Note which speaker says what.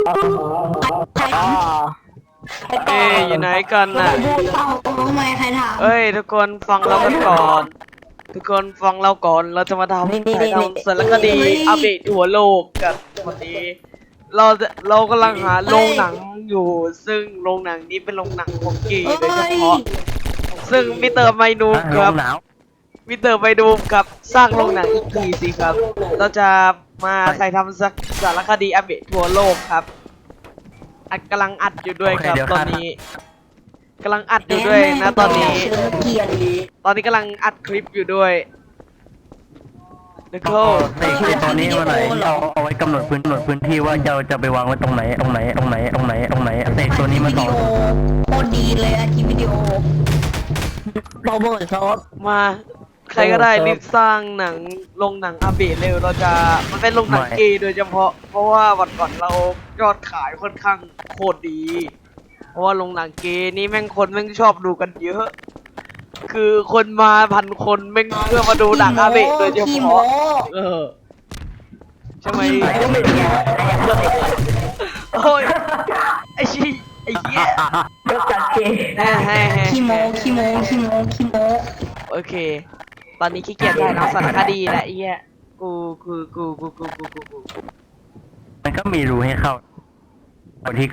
Speaker 1: ใครถามใครก่อ
Speaker 2: เอ้ยอยู่ไหนกันน่ะ
Speaker 1: พูดเปล่าทำไมใครถาม
Speaker 2: เอ้ยทุกคนฟังเรากันก่อน ทุกคนฟังเราก่อนเราจะมาทำถ่ายทำสารคดีอัปเดตทั่วโลกกันวันนี้เรากำลังหาโรงหนังอยู่ ซึ่งโรงหนังนี้เป็นโรงหนังของเกย์โดยเฉพาะซึ่งมิสเตอร์ไมนูค
Speaker 3: ล
Speaker 2: รับ
Speaker 3: มหนาว
Speaker 2: มิสเตอร์ไมนูครับสร้างโรงหนังอีกทีสิครับ เราจะมาถ่ายทำสารคดีอัปเดตทั่วโลกครับกำลังอัดอยู่ด้วยครับตอนนี้กำลังอัดอยู่ด้วยนะตอนนี้
Speaker 1: เกลียด
Speaker 2: ตอนนี้กำลังอัดคลิปอยู่ด้วยเดโค
Speaker 3: ในตัวนี้มาไหนเอาไว้กำหนดพื้นที่ว่าเราจะไปวางไว้ตรงไหนเสกตัวนี้มา
Speaker 1: วิ
Speaker 3: ต่
Speaker 1: ดี
Speaker 3: อ
Speaker 1: โอโคตรดีเลยอะคลิปวิดีโอโรเบิร์ตซอส
Speaker 2: มาใครก็ได้รีบสร้างหนังลงหนังอัปเดตเร็วเราจะมันเป็นลงหนังเกย์โดยเฉพาะเพราะว่าวันก่อนเรายอดขายค่อนข้างโคตรดี เพราะว่าลงหนังเกย์นี่แม่งคนแม่งชอบดูกันเยอะ คือคนมา1,000 คนแม่งเพื่อมาดูหนังอัปเดตโดยเฉ
Speaker 1: ขี้โม
Speaker 2: พาะใช่ไหมโอ้ยไอ้ชี้ไอ้เหี้ย
Speaker 1: ยกจัดเกย์ ขี้โมขี้โมขี้โมขี้โม
Speaker 2: โอเค ตอนนี้ขี้เกียจถ่ายทำสารคดีแหละไอ้เหี้ยกู
Speaker 3: มันก็มีรูให้เข้าที่